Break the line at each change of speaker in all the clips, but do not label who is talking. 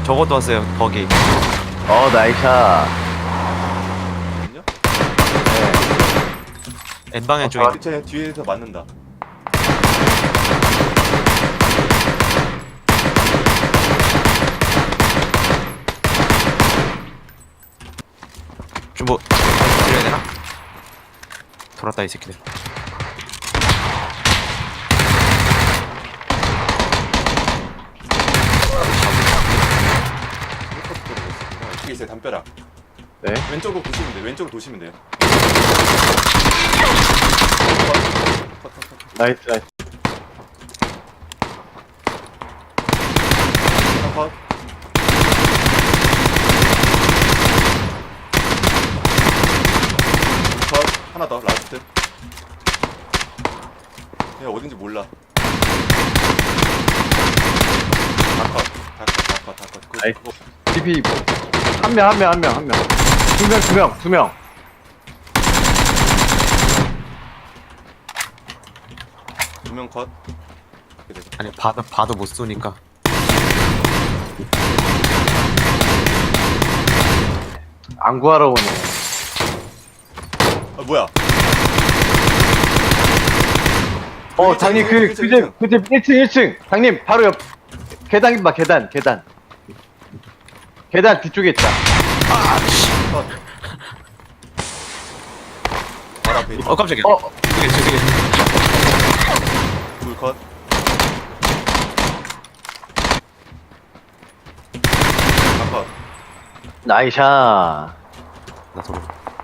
저것도 왔어요. 거기.
나이샤.
아니요?
N방향 쪽에.
제 뒤에서 맞는다.
좀 뭐, 드려야 되나? 돌았다, 이 새끼들.
이쪽에 있어요. 담벼락.
네.
왼쪽으로 도시면 돼요. 왼쪽으로 도시면 돼요.
나이스, 나이스.
하나 컷. 컷. 하나 더. 라스트. 얘 어딘지 몰라. 다 컷. 다 컷. 다 컷. 다 컷. 그,
나이스.
그거
DP 한 명. 두 명.
두 명 컷. 이렇게 되죠.
아니, 봐도 못 쏘니까.
안 구하러 오네.
아 뭐야?
장님 그 집 1층. 장님 바로 옆 계단 봐, 계단. 계단 뒤쪽에 있다.
컷. 바로 앞에 있다.
깜짝이야. 저기.
불 컷. 다 컷.
나이샤.
나 도로.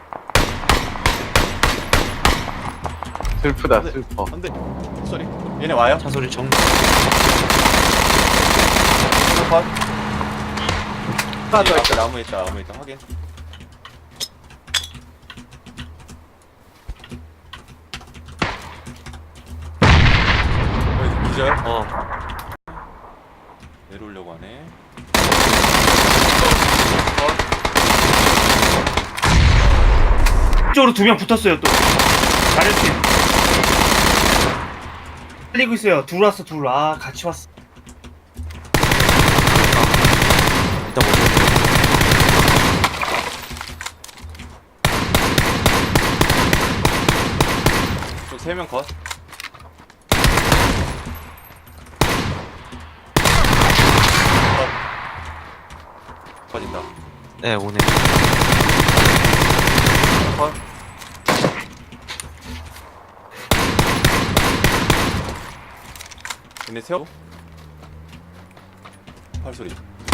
슬프다,
네.
슬퍼.
안돼. 쏘리. 얘네 와요?
차 소리 정.
하나 컷.
하나 더
앞에
있다.
나무에 있다. 확인. 여기 기절. 내려오려고 하네.
이쪽으로 두 명 붙었어요 또. 다른 팀. 살리고 있어요. 둘 왔어 둘. 아 같이 왔어.
일단 뭐.
저 3명 컷. 컷. 컷인다.
네, 오네.
컷. 얘네 세워. 팔소리.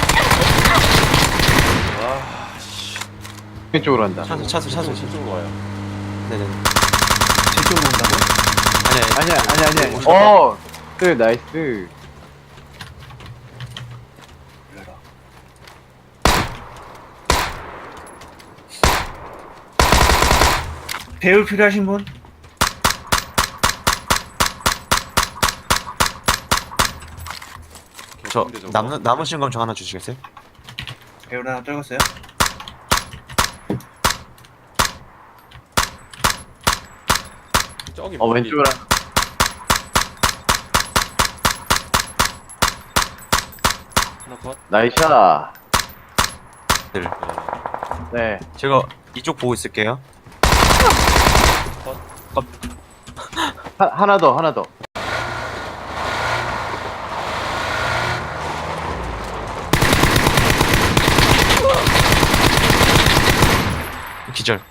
아, 씨.
왼쪽으로 한다.
차 소리.
저쪽으로 와요.
네네네.
제 쪽으로 온다고?
아니야. 나이스.
배울 필요하신 분?
저,
개꿀인데, 저거.
남으신 건 저 하나 주시겠어요?
배울 하나 떨궜어요?
저기
왼쪽으로.
하나 컷.
나이샤.
네.
네.
제가 이쪽 보고 있을게요.
하나 더.
기절.